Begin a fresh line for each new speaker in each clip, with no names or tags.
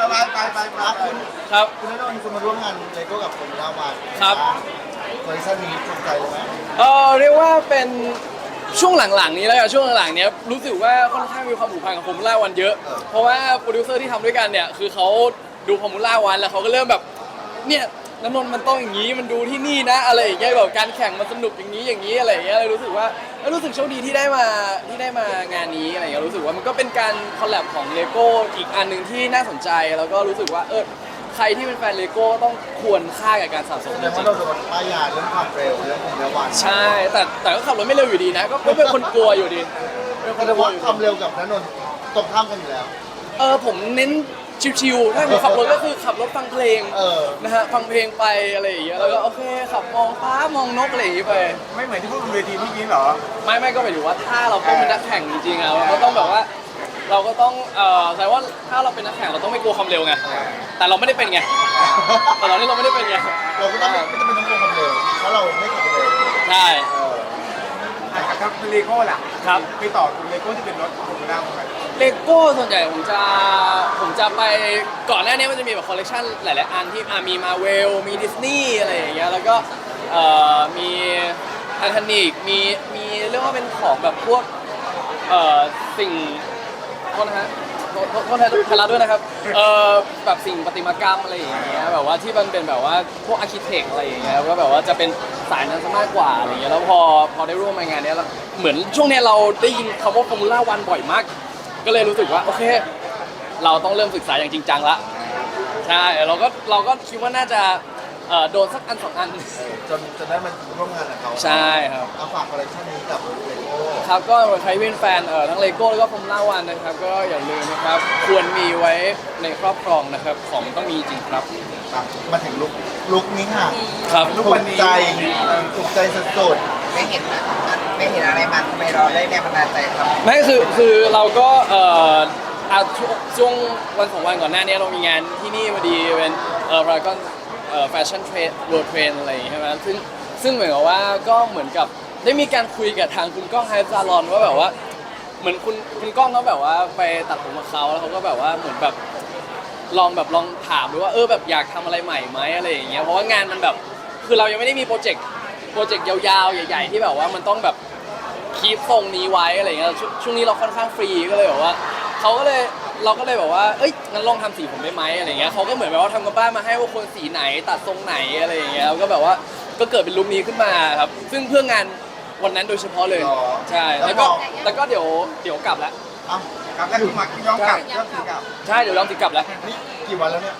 ไปคุณ
ครับ
คุณณนนท์คุณมาร่วมงานเลโก้กับผมแล้ววัน
ครับ
คอลเลคชันนี้ถูกใจเลยไหม
เรียกว่าเป็นช่วงหลังๆนี้แล้วกันช่วงหลังๆเนี้ยรู้สึกว่าค่อนข้างมีความผูกพันกับฟอร์มูล่าวันเยอะเพราะว่าโปรดิวเซอร์ที่ทำด้วยกันเนี่ยคือเขาดูฟอร์มูล่าวันแล้วเขาก็เริ่มแบบเนี่ยน้ำนนท์มันต้องอย่างนี้มันดูที่นี่นะอะไรอย่างเงี้ยแบบการแข่งมันสนุกอย่างนี้อะไรอย่างเงี้ยเลยรู้สึกว่ารู้สึกโชคดีที่ได้มางานนี้อะไรอย่างเงี้ยรู้สึกว่ามันก็เป็นการคอลแลบของเลโก้อีกอันหนึ่งที่น่าสนใจแล้วก็รู้สึกว่าใครที่เป็นแฟนเลโก้ต้องควรค่ากับการสะสม
แสดงว่าเราโดนป้ายยาเรื่องความเร็วเรื่องของเร็ววัน
ใช่แต่ก็ขับรถไม่เร็วอยู่ดีนะก็เป็นคนกลัวอยู่ดีเป็นคน
แสดง
กลัว
ว่า
อยู่
ความเร็วกับณนนท์ตรงข้ามกันอยู่แล้ว
ผมเน้นชิวๆถ้าผมขับรถก็คือขับรถฟังเพลงนะฮะฟังเพลงไปอะไรอย่างเงี้ยแล้วก็โอเคขับมองฟ้ามองนกอะไรอย่างงี้ไป
ไม่เหมือนที่พูดบนเวทีเมื่อกี้เหรอ
ไม่ก็หมายถึงว่าถ้าเราต้องเป็นนักแข่งจริงๆอะเราก็ต้องแบบว่าเราก็ต้องแสดงว่าถ้าเราเป็นนักแข่งเราต้องไม่กลัวความเร็วไงแต่เราไม่ได้เป็นไงแต่ตอนนี้เราไม่ได้เป็นไง
เราก็ต้องไม่จำเป็นต้องกลัวความเร็วเพราะเราไม่ขับเร็ว
ใช่
ครับเลโก้ล่ะ
ครับ
ไปต่อคุณเลโก้ที่เป็นรถของคุณน้าไป
เลโก้ส่วนใหญ่ผมจะไปก่อนหน้านี้มันจะมีแบบคอลเลคชันหลายๆอันที่มีมาเวลมีดิสนีย์อะไรอย่างเงี้ยแล้วก็มีไททานิกมีเรียกว่าเป็นของแบบพวกสิ่งโทษนะฮะโทษไทยรัฐด้วยนะครับแบบสิ่งประติมากรรมอะไรอย่างเงี้ยแบบว่าที่มันเป็นแบบว่าพวกอาร์คิเทคอะไรอย่างเงี้ยก็แบบว่าจะเป็นสายนั้นซะมากกว่าอะไรอย่างเงี้ยแล้วพอได้ร่วมงานนี้แล้วเหมือนช่วงนี้เราได้ยินคำว่าฟอร์มูล่าวันบ่อยมากก็เลยรู้สึกว่าโอเคเราต้องเริ่มศึกษาอย่างจริงจังละใช่เราก็คิดว่าน่าจะโดนสักอันสองอัน
จนได้มาร่วมงานกับเขา
ใช่ครับ
เอาฝากคอลเลคชันนี้กับเลโก้
ครับก็ใครเป็นแฟนทั้งเลโก้แล้วก็ฟอร์มูล่าวันนะครับก็อย่าลืมนะครับควรมีไว้ในครอบครองนะครับของต้องมีจริงครับ
มาถึงลุกนี้ค่ะ
ครับ
ถูกใจสุด
ไม่เห็นนะไม่เห็นอะไรมันทำไมเราได้แรงบันดาลใจครับ
ไม่คือเราก็ช่วงวันสองวันก่อนหน้านี้เรามีงานที่นี่พอดีเป็นพารากอนแฟชั่นเทรดเวิลด์เทรนอะไรอย่างเงี้ยใช่ไหมซึ่งเหมือนกับว่าก็เหมือนกับได้มีการคุยกับทางคุณก้องไฮซาลอนว่าแบบว่าเหมือนคุณก้องเขาแบบว่าไปตัดผมกับเขาแล้วเขาก็แบบว่าเหมือนแบบลองถามดูว่าแบบอยากทำอะไรใหม่ไหมอะไรอย่างเงี้ยเพราะว่างานมันแบบคือเรายังไม่ได้มีโปรเจกต์ยาวๆใหญ่ๆที่แบบว่ามันต้องแบบคีปทรงนี้ไว้อะไรเงี้ยช่วงนี้เราค่อนข้างฟรีก็เลยแบบว่าเราก็เลยแบบว่างั้นลองทำสีผมได้ไหมอะไรเงี้ยเขาก็เหมือนแบบว่าทำกับบ้านมาให้ว่าคนสีไหนตัดทรงไหนอะไรอย่างเงี้ยแล้วก็แบบว่าก็เกิดเป็นลุคนี้ขึ้นมาครับซึ่งเพื่องานวันนั้นโดยเฉพาะเลยใช่แล้วก็เดี๋ยวกลับแล้ว
กลับแล้วคือมาย้อนกลับ
ใช่เดี๋ยวย้อนกลับแล้ว
นี่กี่วันแล้วเนี่ย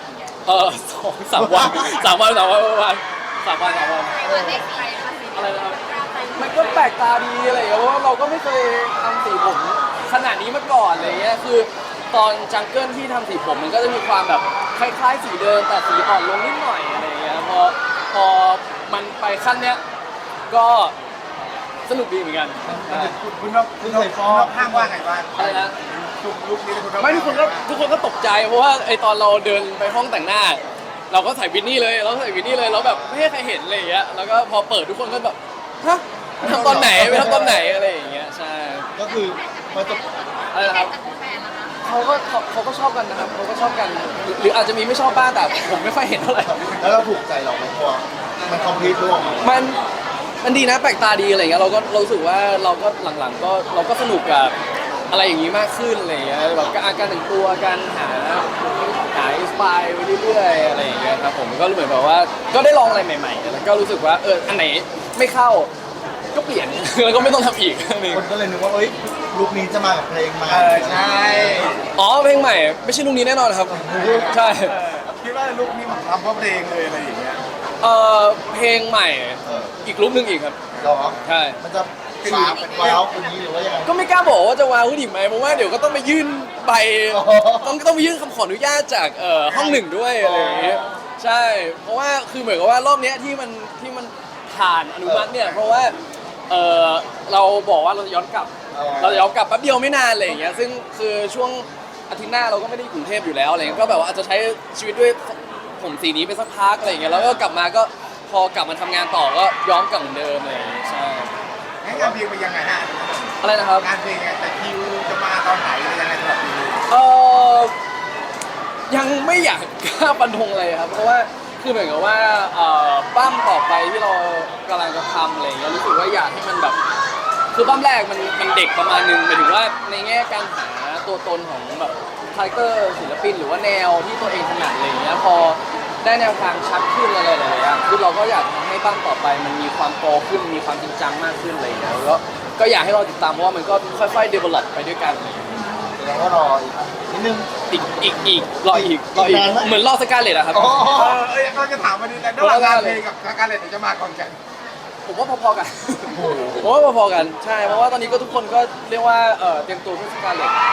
2-3 วันอะไรนะครับมันก็แปลกตาดีอะไรอย่างเงี้ยเพราะว่าเราก็ไม่เคยทำสีผมขนาดนี้มาก่อนอะไรเงี้ยคือตอนจังเกิลที่ทำสีผมมันก็จะมีความแบบคล้ายๆสีเดิมแต่สีอ่อนลงนิดหน่อยอะไรเงี้ยพอมันไปขั้นเนี้ยก็สนุกดีเหมือนกัน
คุณเคยฟ้องห้างว่าไงบ้าง
อะไรนะ
ลุกนี้
ไม่ทุกคนก็ตกใจเพราะว่าตอนเราเดินไปห้องแต่งหน้าเราก็ใส่วินนี่เลยแล้วแบบไม่ให้ใครเห็นอะไรอย่างเงี้ยแล้วก็พอเปิดทุกคนก็แบบฮะทำตอนไหนอะไรอย่างเงี้ยใช่
ก็คือพอจบ
อะไรนะครับเขาก็ชอบกันนะครับเขาก็ชอบกันหรืออาจจะมีไม่ชอบบ้างแต่ผมไม่ค่อยเห็นเท่าไหร่
แล้วเราถูกใจหรอมันคอมพลีทร่วม
มันดีนะแปลกตาดีอะไรเงี้ยเรารู้สึกว่าเราก็หลังๆก็เราก็สนุกกับอะไรอย่างนี้มากขึ้นอะไรเงี้ยแบบการแต่งตัวการหาอินสปายไปเรื่อยๆอะไรอย่างเงี้ยครับผมก็เหมือนแบบว่าก็ได้ลองอะไรใหม่ๆแล้วก็รู้สึกว่าอันไหนไม่เข้าก็เปลี่ยนแล้วก็ไม่ต้องทำอีก
คนก็เลยนึกว่าลุคนี้จะมากับเพลงใหม่
ใช่
เพลงใหม่ไม่ใช่ลุคนี้แน่นอนครับใช่
คิดว่าลุคนี้มันทำเพราะเพลงเลยอะไรอย่างเงี้ย
เพลงใหม่อีกลุคนึงอีกครับ
หรอ
ใช่
มันจะว้าวคนนี้หรือว่ายังไง
ก็ไม่กล้าบอกว่าจะว้าวขึ้นอีกไหมเพราะว่าเดี๋ยวก็ต้องไปยื่นใบต้องไปยื่นคำขออนุญาตจากห้องหนึ่งด้วยอะไรอย่างเงี้ยใช่เพราะว่าคือเหมือนกับว่ารอบนี้ที่มันผ่านอนุมัติเนี่ยเพราะว่าเราบอกว่าเราจะย้อนกลับแป๊บเดียวไม่นานอะไรอย่างเงี้ยซึ่งคือช่วงอาทิตย์หน้าเราก็ไม่ได้อยู่กรุงเทพอยู่แล้วอะไรเงี้ยก็แบบว่าอาจจะใช้ชีวิตด้วยผมสีนี้ไปสักพักอะไรอย่างเงี้ยแล้วก็กลับมาก็พอกลับมาทำงานต่อก็ย้อมกลับเหมือนเดิมอะไรอย่างเงี้ยใช่
งานเพลงเป็นยังไงฮะ
อะไรนะครับ
งานเพลงแต่คิวจะมาตอนไหนยังไงสำหรับ
ยังไม่อยากกล้าฟันธงเลยครับเพราะว่าคือเหมือนกับว่าปั้มต่อไปที่เรากำลังจะทำอะไรอย่างเงี้ยรู้สึกว่าอยากให้มันแบบคือปั้มแรกมันเด็กประมาณนึงหมายถึงว่าในแง่การหาตัวตนของแบบคาแรคเตอร์ศิลปินหรือว่าแนวที่ตัวเองถนัดอะไรอย่างเงี้ยพอได้แนวทางชัดขึ้นอะไรหลายๆอย่างคือเราก็อยากทำให้ปั้มต่อไปมันมีความโตขึ้นมีความจริงจังมากขึ้นอะไรอย่างเงี้ยแล้วก็อยากให้เราติดตามเพราะว่ามันก็ค่อยๆ develop ไปด้วยกันอะไรอย่างเงี้ย
แสดงว่ารออีกนิดนึง
อีกรออีก
นานไหม
เหมือนรอสกาเลตอะครับ
อ๋อ
ก็จะถามวันนี้แต่ระหว่างงานเพลงกับการเล่นจะมาก่อนกัน
ผมว่าพอๆกันผมว่าพอๆกันใช่เพราะว่าตอนนี้ก็ทุกคนก็เรียกว่าเตรียมตัวเพื่อสกาเลต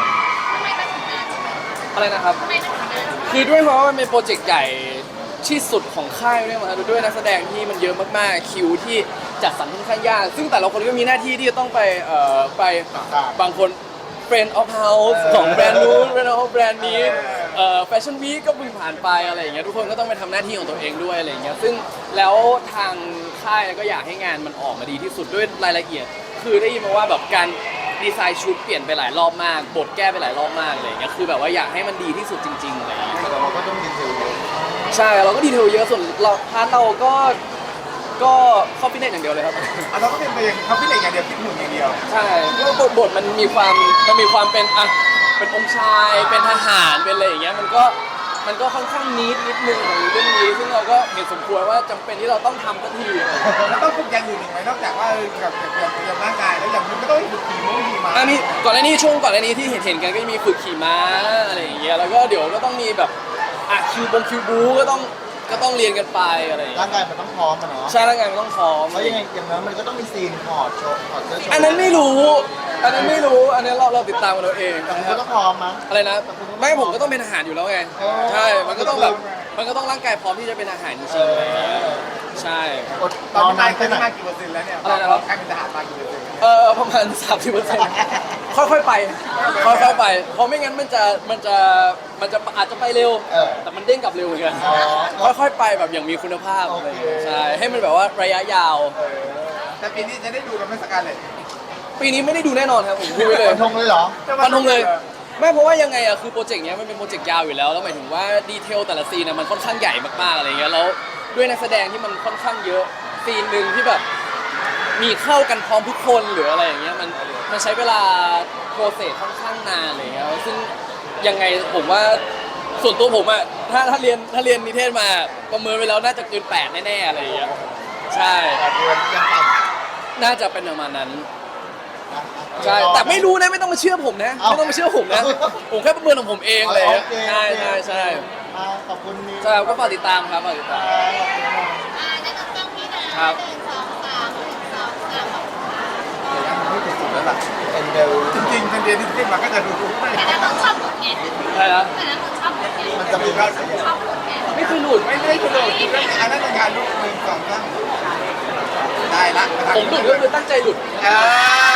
อะไรนะครับคือด้วยเพราะว่ามันเป็นโปรเจกต์ใหญ่ที่สุดของค่ายเนี่ยมาด้วยนักแสดงที่มันเยอะมากๆคิวที่จัดสรรค่อนข้างยากซึ่งแต่ละคนก็มีหน้าที่ที่จะต้องไปบางคน Friend of House ของแบรนด์นู้น Friend of แบรนด์นี้Fashion Week ก็เพิ่งผ่านไปอะไรอย่างเงี้ยทุกคนก็ต้องไปทำหน้าที่ของตัวเองด้วยอะไรอย่างเงี้ยซึ่งแล้วทางค่ายก็อยากให้งานมันออกมาดีที่สุดด้วยรายละเอียดคือได้ยินมาว่าแบบการดีไซน์ชุดเปลี่ยนไปหลายรอบมากบทแก้ไปหลายรอบมากอะไรอย่างเงี้ยคือแบบว่าอยากให้มันดีที่สุดจริงๆอะไรอย่างเงี้ย
แต่เราก็ต้องดีเทลเยอะ
ใช่เราก็ดีเทลเยอะส่วนเราพาร์ทเราก็เข้าฟิตเนสอย่างเดียวเลยครับ
เราก็เป็นไปอย่างเขาพิเศษอย่างเดียวพิหุ่นอย่างเดียว
ใช่เพราะบทมันมีความเป็นเป็นองค์ชายเป็นทหารเป็นอะไรอย่างเงี้ยมันก็ค่อนข้างนิดนึงของเรื่องนี้ซึ่งเราก็เห็นสมควรว่าจำเป็นที่เราต้องทำสักที
แล้วต้องฝึกอย่างอื่นอีกไหมนอกจากว่ากับร่างกายแล้วอย่างนี้ก็ต้องฝึกขี่ม้าขี่ม้า
อันนี้ก่อนหน้านี้ช่วงก่อนหน้านี้ที่เห็นกันก็จะมีฝึกขี่ม้าอะไรอย่างเงี้ยแล้วก็เดี๋ยวก็ต้องมีแบบคิวบูก็ต้องเรียนกันไปอะไรอย่างเงี้
ร่าย งกายมันต้องพร้อมอะเนาะ
ใช่ร่างกายมันต้องพร้อม
เพราะยังไงอย่างนั้นมันก็ต้องมีซีนถอดโชว์ถอดเสื้อโชว์
อันนั้นไม่รู้อันนี้เราติดตามกันเราเอง
แต่มัน
นะค
ก็
รับ
ต้องพร้อมมั้ง
อะไรนะไม่ผมก็ต้องเป็นทหารอยู่แล้วไง
อ๋อ
ใช่มันก็ต้องแบบมันก็ต้องร่างกายพร้อมที่จะเป็นทหารจริงๆอะไรอย่างเงี้ยใช่
อด
ตอน
นอน
นี้
นานแค่ไหน
มากี่เปอร์เซ็นต์แล้วเนี่ยการเป็นทหารมากี่เปอร์เซ็นต์
ประมาณ 30%ค่อยๆไปค่อยๆไปเพราะไม่งั้นมันจะอาจจะไปเร็ว แต่มันเด้งกลับเร็วเหมือนกัน ค่อยๆไปแบบอย่างมีคุณภาพอะไรอย่างเงี้ยใช่ให้มันแบบว่าระยะยาว
แต่ปีนี้จะได้ดูกันไหมสการเลย
ปีนี้ไม่ได้ดูแน่นอนครับผมพูดไว้เลย
ฟันธงเลยเหรอ
ฟันธงเลยไม่เพราะว่ายังไงอะคือโปรเจกต์เนี้ยมันเป็นโปรเจกต์ยาวอยู่แล้วแล้วหมายถึงว่าดีเทลแต่ละซีนอะมันค่อนข้างใหญ่มากๆอะไรเงี้ยแล้วด้วยนักแสดงที่มันค่อนข้างเยอะซีนหนึ่งที่แบบมีเข้ากันพร้อมทุกคนหรืออะไรอย่างเงี้ยมันใช้เวลาโปรเซสค่อนข้างนานอะไรเงี้ยซึ่งยังไงผมว่าส่วนตัวผมอะถ้าเรียนนิเทศมาประเมินไปแล้วน่าจะเกิน8แน่ๆอะไรอย่างเงี้ยใช่
8 เดือนยังต่ำ
น่าจะเป็นประมาณนั้น
นะ
ใช่แต่ไม่รู้นะไม่ต้องมาเชื่อผมนะไม่ต้องมาเชื่อผมนะผมแค่ประเมินของผมเองเลย
โอเค
ใช่ใช่ใช่
ขอบคุณนิว
ใช่ก็ฝากติดตามครับฝากติดตาม
ขอบคุณมาก
ครับ
แล้วล่ะเอ็นเดล
จริงๆเป็นเดือนที่ขึ้นมาก็จะดูไม่
ใช่นะ
มันจะมีการ
ไม่เคยหลุด
ได้คุณเลยอันนั้นเป็นการลุก1 2 3ได้ละ
ผมหลุดก็คือตั้งใจหลุด
อ่า